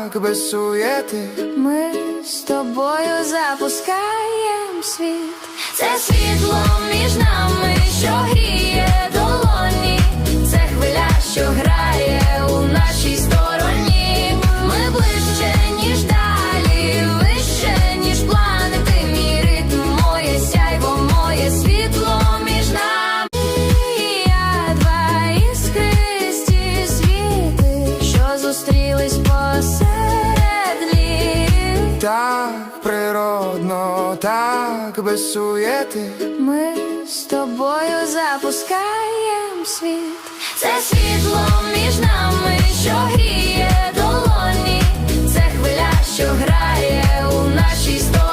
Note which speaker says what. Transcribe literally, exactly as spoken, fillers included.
Speaker 1: так, без суєти.
Speaker 2: Ми з тобою запускаєм світ. Це світло між нами, що гріє долоні. Це хвиля, що грає у нашій стороні. Ми ближче, ніж далі, вище, ніж планети. Мій ритм, моє сяйво, моє світло між нами. Я два іскристі світи, що зустрілись посеред літ.
Speaker 1: Так природно, так, без суєти.
Speaker 2: Ми з тобою запускаєм світ. Це світло між нами, що гріє долоні. Це хвиля, що грає у нашій стороні.